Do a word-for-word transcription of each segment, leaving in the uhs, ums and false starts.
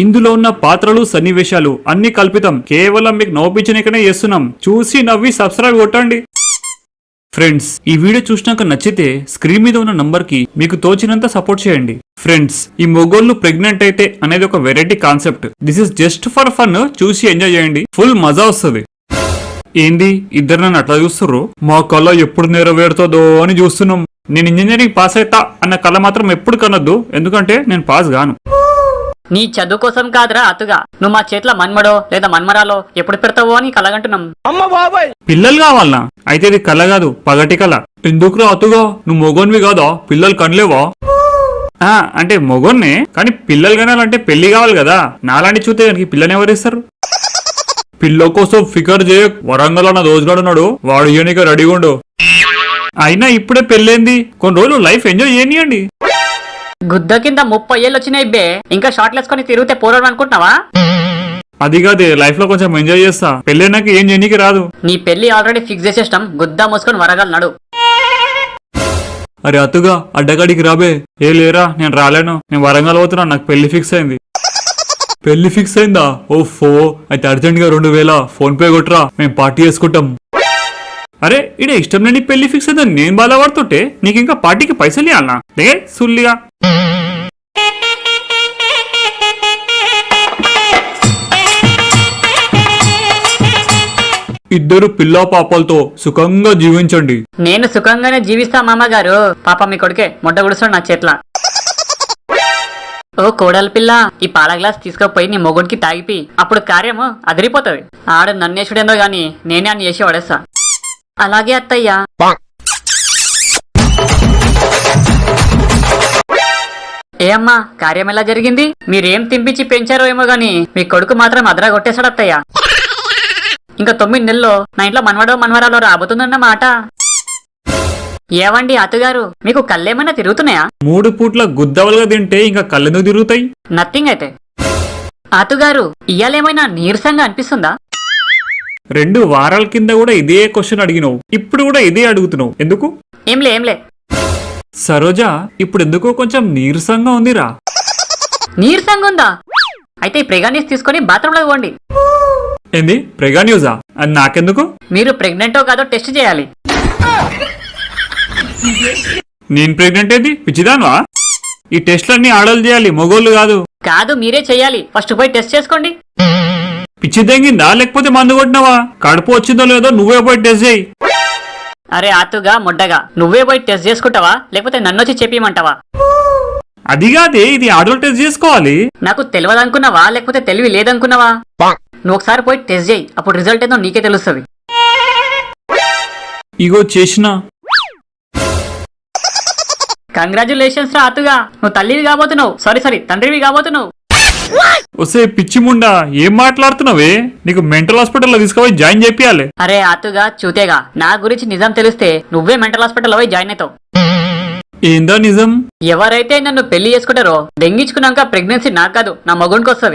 ఇందులో ఉన్న పాత్రలు సన్నివేశాలు అన్ని కల్పితం, కేవలం మీకు నవ్వించనికనే చేస్తున్నాం. చూసి నవ్వి సబ్స్క్రైబ్ కొట్టండి. ఫ్రెండ్స్, ఈ వీడియో చూసినాక నచ్చితే స్క్రీన్ మీద ఉన్న నంబర్ కి మీకు తోచినంత సపోర్ట్ చేయండి. ఫ్రెండ్స్, ఈ మొగోళ్ళు ప్రెగ్నెంట్ అయితే అనేది ఒక variety concept. This is just for fun. చూసి ఎంజాయ్ చేయండి, ఫుల్ మజా వస్తుంది. ఏంది ఇద్దరు నన్ను అట్లా చూస్తుర్రు? మా కళ ఎప్పుడు నెరవేరుతుందో అని చూస్తున్నాం. నేను ఇంజనీరింగ్ పాస్ అవుతా అన్న కళ మాత్రం ఎప్పుడు కనొద్దు, ఎందుకంటే నేను పాస్ గాను. నీ చదువు కోసం కాదురా అతుగా, నువ్వు మా చేతిలో మన్మడో లేదా మన్మరాలో ఎప్పుడు పెడతావో అని కలగంటున్నాం. పిల్లలు కావాలనా? అయితే ఇది కళ కాదు, పగటి కళ. ఎందుకురా అతుగా, నువ్వు మొగోన్వి కాదా? పిల్లలు కనలేవా? ఆ అంటే మొగోన్నే, కానీ పిల్లలు కనాలంటే పెళ్లి కావాలి కదా. నాలాంటి చూస్తే దానికి పిల్లని ఎవరిస్తారు? పిల్ల కోసం ఫికర్ చేయ. వరంగల్ అన్న దోచుగాడున్నాడు, వాడు ఇయనిక రెడీగా ఉండు. అయినా ఇప్పుడే పెళ్ళేంది, కొన్ని రోజులు లైఫ్ ఎంజాయ్ చేయనియండి. గుద్ద కింద ముప్పై ఏళ్ళు వచ్చినాయి బే, ఇంకా షార్ట్ వేసుకొని తిరిగితే పోరాడు అనుకుంటున్నావా? అది కాదే, లైఫ్ లో కొంచెం ఎంజాయ్ చేస్తా. పెళ్ళైనాక ఏం చేయనీకి రాదు. నీ పెళ్లి ఆల్రెడీ ఫిక్స్ చేసేస్తాం, గుద్ద మూసుకొని వరగలనాడు. అరే అతుగా, అడ్డగాడికి రాబే. ఏ లేరా, నేను రాలేను, నేను వరంగల్ పోతున్నా, నాకు పెళ్లి ఫిక్స్ అయింది. పెళ్లి ఫిక్స్ అయిందా? ఓ ఫో, అయితే అర్జెంట్ గా రెండు వేల ఫోన్ పే కొట్టరా, మేము పార్టీ చేసుకుంటాం. అరే ఇడే ఇష్టం లేని పెళ్లి ఫిక్స్ అయిందని నేను బాధపడుతుంటే నీకు ఇంకా పార్టీకి పైసలు ఇవ్వాలనా? దే సుల్లిగా. ఇద్దరు పిల్లా పాపలతో సుఖంగా జీవించండి. నేను సుఖంగానే జీవిస్తా మామగారు. పాప మీ కొడుకే మొట్ట గుడుస్తాడు నా చేట్ల. ఓ కోడలి పిల్ల, ఈ పాల గ్లాస్ తీసుకుపోయి నీ మొగుడికి తాగిపి, అప్పుడు కార్యము అదిరిపోతుంది. ఆడు నన్నేసుడేందో గాని నేనే అని చేసి పడేస్తా. అలాగే అత్తయ్యా. ఏ అమ్మా, కార్యం ఎలా జరిగింది? మీరేం తింపించి పెంచారో ఏమో గాని మీ కొడుకు మాత్రం అదరా కొట్టేశాడు అత్తయ్య. ఇంకా తొమ్మిది నెలల్లో నా ఇంట్లో మన్వడో మన్వరాలో రాబోతుందన్నమాట. ఏవండి అత్తగారు, మీకు కళ్ళేమైనా తిరుగుతున్నాయా? మూడు పూట్ల గుద్దవలుగా తింటే ఇంకా కళ్ళెందుకు తిరుగుతాయి? నథింగ్ అయితే. అత్తగారు, ఇయ్యాలేమైనా నీరసంగా అనిపిస్తుందా? రెండు వారాల కింద కూడా ఇదే క్వశ్చన్ అడిగినావు, ఇప్పుడు కూడా ఇదే అడుగుతున్నావు, ఎందుకు? ఏంలే ఏంలే. సరోజా, ఇప్పుడు ఎందుకో కొంచెం నీరసంగా ఉందిరా. నీరసంగా ఉందా? అయితే ఈ ప్రెగానీస్ తీసుకొని బాత్రూమ్ లో పోండి. ఏంది ప్రెగా న్యూజా? అది నాకెందుకు? మీరు ప్రెగ్నెంటో కాదో టెస్ట్ చేయాలి. నేను ప్రెగ్నెంట్ ఏది పిచ్చిదాన్వా? ఈ టెస్ట్లన్నీ ఆడలు చేయాలి, మగోళ్ళు కాదు. కాదు, మీరే చెయ్యాలి. ఫస్ట్ పోయి టెస్ట్ చేసుకోండి. పిచ్చి తెంగిందా లేకపోతే మందు కొట్టినావా? కడుపు వచ్చిందో లేదో నువ్వే పోయి టెస్ట్ చేయి. అరే ఆతుగా మొడ్డగా, నువ్వే పోయి టెస్ట్ చేసుకుంటావా లేకపోతే నన్నొచ్చి చెప్పిమంటావా? అది కాదే, ఇది ఆడలు టెస్ట్ చేసుకోవాలి. నాకు తెలియదనుకున్నావా లేకపోతే తెలివి లేదనుకున్నావా? నువ్వు ఒకసారి పోయి టెస్ట్ చేయి, అప్పుడు రిజల్ట్ ఏందో నీకే తెలుస్తుంది. ఇగో చేసిన. కంగ్రాచులేషన్స్ రా అతుగా, నువ్వు తల్లివి కాబోతున్నావు. సారీ సారీ తండ్రివి కాబోతున్నావు. వస్తే పిచ్చి ముండా, ఏం మాట్లాడుతున్నావే? నీకు మెంటల్ హాస్పిటల్లో తీసుకుపోయి జాయిన్ చేపియాలి. అరే అతుగా చూతేగా, నా గురించి నిజం తెలిస్తే నువ్వే మెంటల్ హాస్పిటల్లో పోయి జాయిన్ అవుతావు. ఏందా నిజం? ఎవరైతే నన్ను పెళ్లి చేసుకుంటారో దెంగించుకున్నాక ప్రెగ్నెన్సీ నాకు కాదు నా మగునికి వస్తుంది.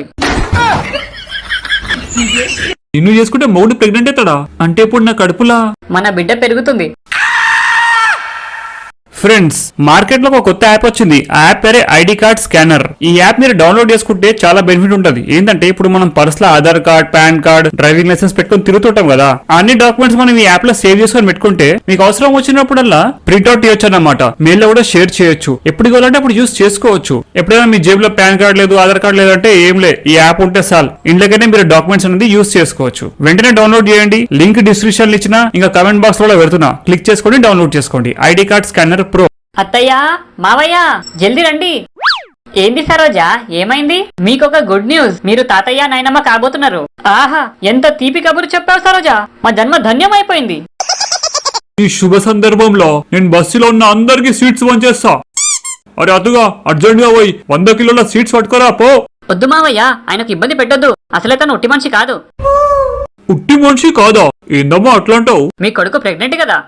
నిన్ను చేసుకుంటే మౌడు ప్రెగ్నెంట్ అవుతాడా? అంటే ఇప్పుడు నా కడుపులా మన బిడ్డ పెరుగుతుంది. ఫ్రెండ్స్, మార్కెట్ లో ఒక కొత్త యాప్ వచ్చింది. ఆ యాప్ పేరే ఐడి కార్డ్ స్కానర్. ఈ యాప్ మీరు డౌన్లోడ్ చేసుకుంటే చాలా బెనిఫిట్ ఉంటది. ఏంటంటే ఇప్పుడు మనం పర్స్ లో Aadhaar card, PAN card, driving license పెట్టుకుని తిరుగుతుంటాం కదా. అన్ని డాక్యుమెంట్స్ మనం ఈ యాప్ లో సేవ్ చేసుకొని పెట్టుకుంటే మీకు అవసరం వచ్చినప్పుడల్లా ప్రింట్అవుట్ చేయొచ్చు అన్నమాట. మెయిల్ లో కూడా షేర్ చేయొచ్చు. ఎప్పుడు కావాలంటే అప్పుడు యూస్ చేసుకోవచ్చు. ఎప్పుడైనా మీ జేబులో పాన్ కార్డ్ లేదు, ఆధార్ కార్డ్ లేదంటే ఏం లే, ఈ యాప్ ఉంటే చాలు, ఇంట్లోకైనా మీరు డాక్యుమెంట్స్ అనేది యూస్ చేసుకోవచ్చు. వెంటనే డౌన్లోడ్ చేయండి. లింక్ డిస్క్రిప్షన్ ఇచ్చిన ఇంకా కమెంట్ బాక్స్ లో పెడుతున్నా, క్లిక్ చేసుకొని డౌన్లోడ్ చేసుకోండి ఐడి కార్డ్ స్కానర్ ప్రో. అత్తయ్యా, మావయ్య, జల్దీ రండి. ఏంది సరోజా, ఏమైంది? మీకొక గుడ్ న్యూస్, మీరు తాతయ్య నాయనమ్మ కాబోతున్నారు. ఆహా, ఎంత తీపి కబురు చెప్పావు సరోజా, మా జన్మ ధన్యమైపోయింది. ఈ శుభ సందర్భంలో నేను బస్సులో ఉన్న అందరికి స్వీట్స్ పంచేస్తా. అరే అతుగా, అర్జెంట్ గా పోయి వంద కిలోల స్వీట్స్ పట్టుకోరా పో. వద్దు మావయ్య, ఆయనకు ఇబ్బంది పెట్టొద్దు. అసలే తను ఉట్టి మనిషి కాదు. ఉట్టి మనిషి కాదా? ఏందమ్మా అట్లాంటావు? మీ కొడుకు ప్రెగ్నెంట్ కదా?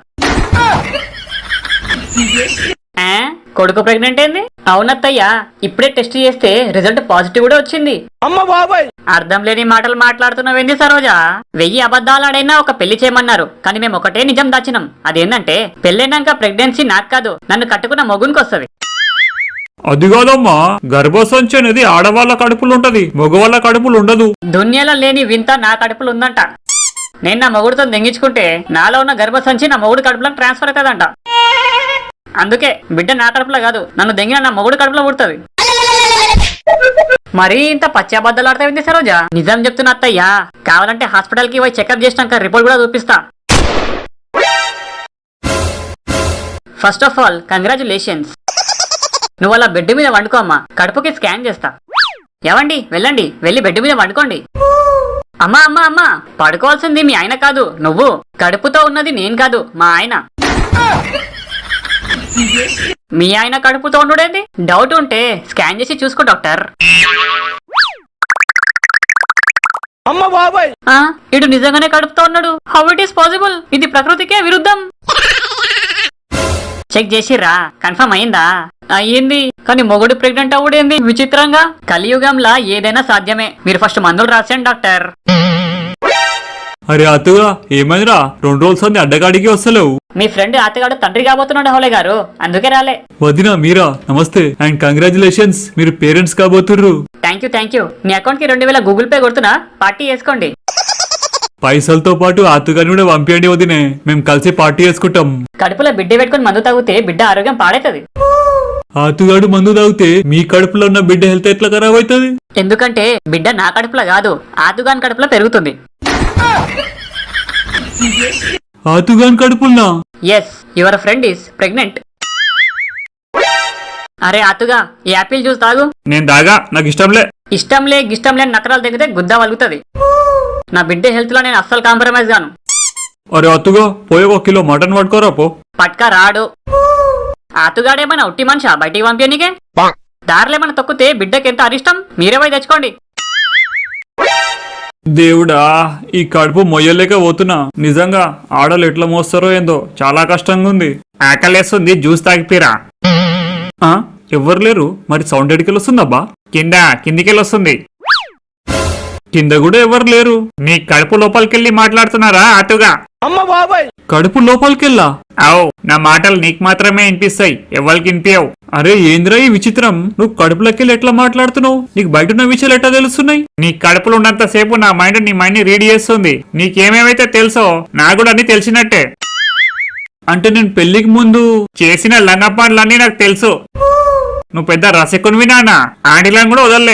కొడుకు ప్రెగ్నెంట్ ఏంది? అవునత్తయ్యా, ఇప్పుడే టెస్ట్ చేస్తే రిజల్ట్ పాజిటివ్ కూడా వచ్చింది. అమ్మ బాబాయ్, అర్థం లేని మాటలు మాట్లాడుతున్నావేంది సరోజా? వెయ్యి అబద్ధాలు ఆడైనా ఒక పెళ్లి చేయమన్నారు, కానీ మేము ఒకటే నిజం దాచినాం. అదేంటంటే పెళ్ళైనాక ప్రెగ్నెన్సీ నాకు కాదు, నన్ను కట్టుకున్న మొగునికి వస్తుంది. అది కాదమ్మా, గర్భసంచి అనేది ఆడవాళ్ళ కడుపులు ఉంటది, మగవాళ్ళ కడుపులు ఉండదు. దునియాలో లేని వింత నా కడుపులో ఉందంట. నేను నా మొగుడుతో దెంగించుకుంటే నాలో ఉన్న గర్భసంచి నా మొగుడు కడుపులో ట్రాన్స్ఫర్ అవుతుందంట. అందుకే బిడ్డ నా కడుపులో కాదు, నన్ను దెంగిన నా మొగుడు కడుపులో పుడుతుంది. మరీ ఇంత పచ్చాబద్దాలు ఆడతావింది సరోజా. నిజం చెప్తున్నా అత్తయ్యా, కావాలంటే హాస్పిటల్ కి పోయి చెకప్ చేసినాక రిపోర్ట్ కూడా చూపిస్తా. First of all congratulations. నువ్వు అలా బెడ్ మీద వండుకో అమ్మా, కడుపుకి స్కాన్ చేస్తా. ఏవండి వెళ్ళండి, వెళ్ళి బెడ్ మీద వండుకోండి. అమ్మా అమ్మా అమ్మా, పడుకోవాల్సింది మీ ఆయన కాదు నువ్వు. కడుపుతో ఉన్నది నేను కాదు, మా ఆయన. మీ ఆయన కడుపుతో ఉండేది డౌట్ ఉంటే స్కాన్ చేసి చూసుకో డాక్టర్. అమ్మ బాబాయ్, ఇటు నిజంగానే కడుపుతో ఉన్నాడు. How it is possible? ఇది ప్రకృతికే విరుద్ధం. చెక్ చేసిర్రా? కన్ఫర్మ్ అయిందా? అయ్యింది. కానీ మొగుడు ప్రెగ్నెంట్ అవుడేంది విచిత్రంగా. కలియుగంలా ఏదైనా సాధ్యమే. మీరు ఫస్ట్ మందులు రాసేయండి డాక్టర్. అరే అతుగా ఏమైందిరా, రెండు రోజులు సంది అడ్డగాడికి వస్తలేవు. మీ ఫ్రెండ్ అత్తగాడు తండ్రి కాబోతున్నాడు హౌలే గారు, అందుకే రాలే. వదినా మీరా, నమస్తే అండ్ కంగ్రాచులేషన్స్, మీరు పేరెంట్స్ కాబోతుర్రు. Thank you thank you. మీ అకౌంట్ కి రెండు వేల గూగుల్ పే కొడుతున్నా, పార్టీ చేసుకోండి. పైసలతో పాటు ఆతుగాని కూడా పంపించండి వదినే, మేము కలిసి పార్టీ చేసుకుంటాం. కడుపులో బిడ్డ పెట్టుకుని మందు తాగితే బిడ్డ ఆరోగ్యం పాడైతుంది. ఆతుగాడు మందు తాగితే మీ కడుపులో ఉన్న బిడ్డ హెల్త్ ఎట్లా ఖరాబ్ అవుతుంది? ఎందుకంటే బిడ్డ నా కడుపులో కాదు, ఆతుగాని కడుపులో పెరుగుతుంది. ఆతుగాని కడుపున్నా? Yes, your friend is pregnant. అరే ఆతుగా, ఈ యాపిల్ జ్యూస్ తాగు. నేను తాగా, నాకు ఇష్టంలే. ఇష్టంలే గిష్టంలే నకరాలు తగ్గితే గుద్ద వలుగుతుంది. నా బిడ్డ హెల్త్ లో నేను అస్సలు కాంప్రమైజ్ గాను. అరే అతుగా, పోయి ఒక కిలో మటన్ పట్టుకోరా పో. పట్కా రాడు. ఆతుగాడేమన్నా ఉట్టి మనిషా బయటికి పంపిణీకే? దారిలేమన్నా తొక్కితే బిడ్డకి ఎంత అరిష్టం, మీరే పోయి తెచ్చుకోండి. దేవుడా, ఈ కడుపు మొయ్యలేక పోతున్నా. నిజంగా ఆడలు ఎట్లా మోస్తారో ఏందో, చాలా కష్టంగా ఉంది. ఆకలేస్తుంది, జ్యూస్ తాగిపోయిరా. ఎవ్వరు లేరు, మరి సౌండ్ ఎడికెళ్ళి వస్తుందబ్బా? కింద కిందికెళ్ళి వస్తుంది. కింద కూడా ఎవరు లేరు. నీ కడుపు లోపలికెళ్ళి మాట్లాడుతున్నారా అతుగా? అమ్మ బాబాయ్, కడుపు లోపలికెళ్ళా? అవు, నా మాటలు నీకు మాత్రమే వినిపిస్తాయి, ఎవరికి వినిపించవు. అరే ఏంద్రా ఈ విచిత్రం, నువ్వు కడుపులోకెళ్ళి ఎట్లా మాట్లాడుతున్నావు? నీకు బయట ఉన్న విషయాలు ఎట్లా తెలుస్తున్నాయి? నీ కడుపులో ఉన్నంత సేపు నా మైండ్ నీ మైండ్ ని రీడ్ చేస్తుంది. నీకేమేమైతే తెలుసో నాకు కూడా అన్ని తెలిసినట్టే. అంటే నేను పెళ్లికి ముందు చేసిన లంగ పనులన్నీ నాకు తెలుసు. నువ్వు పెద్ద రసికునివి నాన్న, ఆంటీలను కూడా వదలలే.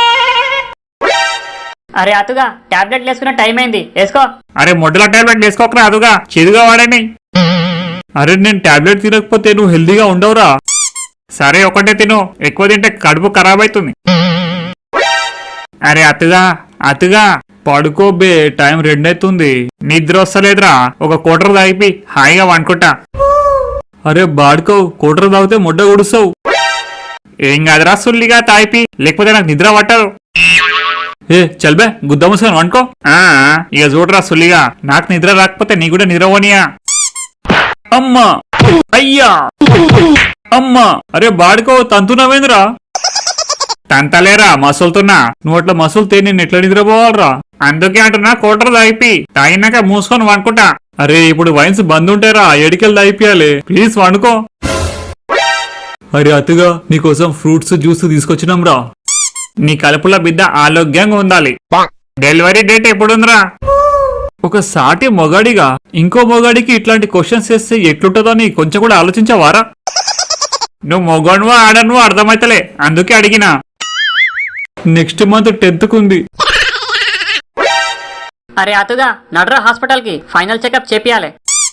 అరే అతుగా, టాబ్లెట్ వేసుకున్న టైం అయింది, వేసుకో. అరే మొడ్డుల టాబ్లెట్ వేసుకోకరా అదుగా, చెదుగా వాడని. అరే నేను టాబ్లెట్ తినకపోతే నువ్వు హెల్దీగా ఉండవురా. సరే ఒకటే తిను, ఎక్కువ తింటే కడుపు ఖరాబ్ అవుతుంది. అరే అతుగా అతుగా పడుకోబే, టైం రెండైతుంది, నిద్ర వస్తలేదురా. ఒక కోటర్ తాగిపి హాయిగా వండుకుంటా. అరే బాడుకో, కోటర్ తాగితే మొడ్డ గుడుస్తావు. ఏం కాదురా సుల్లిగా తాగిపి, లేకపోతే నాకు నిద్ర పట్టదు. ఏ చల్బే, గుద్ద మూసుకొని వండుకో. ఇక చూడరా సుల్లిగా, నాకు నిద్ర రాకపోతే నీ కూడా నిద్ర పోనీయా? అమ్మా, అయ్యా, అమ్మా. అరే బాడుకో, తంతున్నావేంద్రా? తంతలేరా, మసులుతున్నా. నువ్వు అట్లా మసులుతే నేను ఎట్లా నిద్రపోవాలరా? అందుకే అంటున్నా, కోటర్ తాగిపి, తాగినాక మూసుకొని వండుకుంటా. అరే ఇప్పుడు వైన్స్ బంద్ ఉంటారా, ఎడికెళ్ళి తాగిపియాలి, ప్లీజ్ వండుకో. అరే అతుగా, నీకోసం ఫ్రూట్స్ జ్యూస్ తీసుకొచ్చినాం రా. నీ కడుపులో బిడ్డ ఆరోగ్యంగా ఉండాలి. డెలివరీ డేట్ ఎప్పుడుందిరా? ఒక సాటి మొగాడిగా ఇంకో మొగాడికి ఇట్లాంటి క్వశ్చన్స్ చేస్తే ఎట్లుంటుందో నీ కొంచెం కూడా ఆలోచించవారా? నువ్వు మొగనువో ఆడనువో అర్థమైతలే, అందుకే అడిగినా. నెక్స్ట్ మంత్ టెన్త్ కుంది. అరే అతుగా, నడరా హాస్పిటల్ కి, ఫైనల్ చెకప్ చేపియాలి.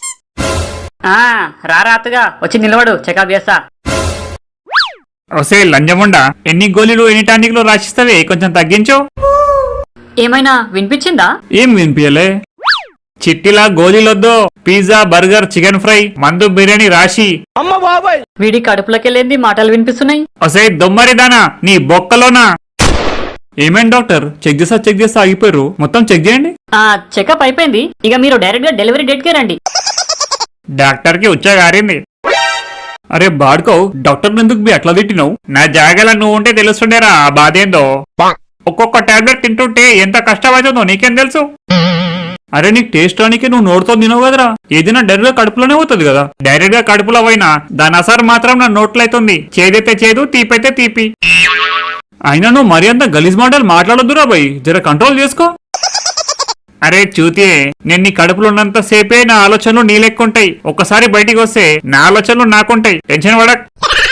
రారా అతుగా, వచ్చి నిలబడు, చెకప్ చేస్తా. ఒసే లంజముండా, ఎన్ని గోళీలు ఎన్ని టానిక్లు రాసిస్తావే, కొంచెం తగ్గించు. ఏమైనా వినిపించిందా? ఏం వినిపించలే. చిట్టిలా గోళీలొద్దు, పిజ్జా బర్గర్ చికెన్ ఫ్రై మందు బిర్యానీ రాసి. అమ్మ బాబాయ్, వీడి కడుపులోకెళ్ళేంది మాటలు వినిపిస్తున్నాయి. ఒసే దొమ్మరిదానా, నీ బొక్కలోనా? ఏమేం డాక్టర్, చెక్ చేస్తా చెక్ చేస్తా ఆగిపోయారు, మొత్తం చెక్ చేయండి. ఆ చెకప్ అయిపోయింది, ఇక మీరు డైరెక్ట్ గా డెలివరీ డేట్ కే రండి. డాక్టర్ కి ఉచ్చగారింది. అరే బాడుకో, డాక్టర్ ఎందుకు బి అట్లా తిట్టినావు? నా జాగాల నువ్వు ఉంటే తెలుస్తుండేరా ఆ బాధేందో. ఒక్కొక్క టాబ్లెట్ తింటుంటే ఎంత కష్టమవుతుందో నీకేం తెలుసు? అరే నీకు టేస్ట్ రానికే నువ్వు నోటితో తినవు కదరా, ఏదైనా డైరెక్ట్ గా కడుపులోనే పోతుంది కదా. డైరెక్ట్ గా కడుపులో పోయినా దాని అసారు మాత్రం నా నోట్లో అవుతుంది. చేదైతే చేదు, తీపైతే తీపి. అయినా నువ్వు మరి అంత గలీజ్ మాటలు మాట్లాడొద్దురా బై, జర కంట్రోల్ చేసుకో. అరే చూతే, నేను నీ కడుపులో ఉన్నంత సేపే నా ఆలోచనలు నీ లెక్కుంటాయి. ఒక్కసారి బయటికి వస్తే నా ఆలోచనలు నాకుంటాయి. టెన్షన్ పడక్.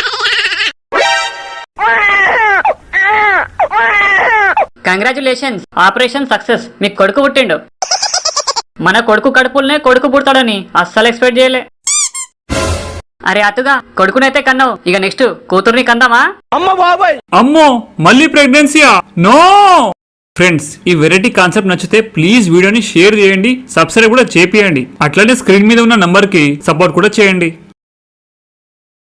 Congratulations, operation success. మీకు కొడుకు పుట్టిండు. మన కొడుకు కడుపులనే కొడుకు పుడతాడని అస్సలు ఎక్స్పెక్ట్ చేయలే. అరే అతుగా, కొడుకునైతే కన్నావు, ఇక నెక్స్ట్ కూతుర్ని కందామా? అమ్మో మళ్ళీ ప్రెగ్నెన్సీయా? నో. ఫ్రెండ్స్, ఈ వెరైటీ కాన్సెప్ట్ నచ్చితే ప్లీజ్ వీడియోని షేర్ చేయండి, సబ్స్క్రైబ్ కూడా చేపియండి. అట్లనే స్క్రీన్ మీద ఉన్న నంబర్ కి సపోర్ట్ కూడా చేయండి.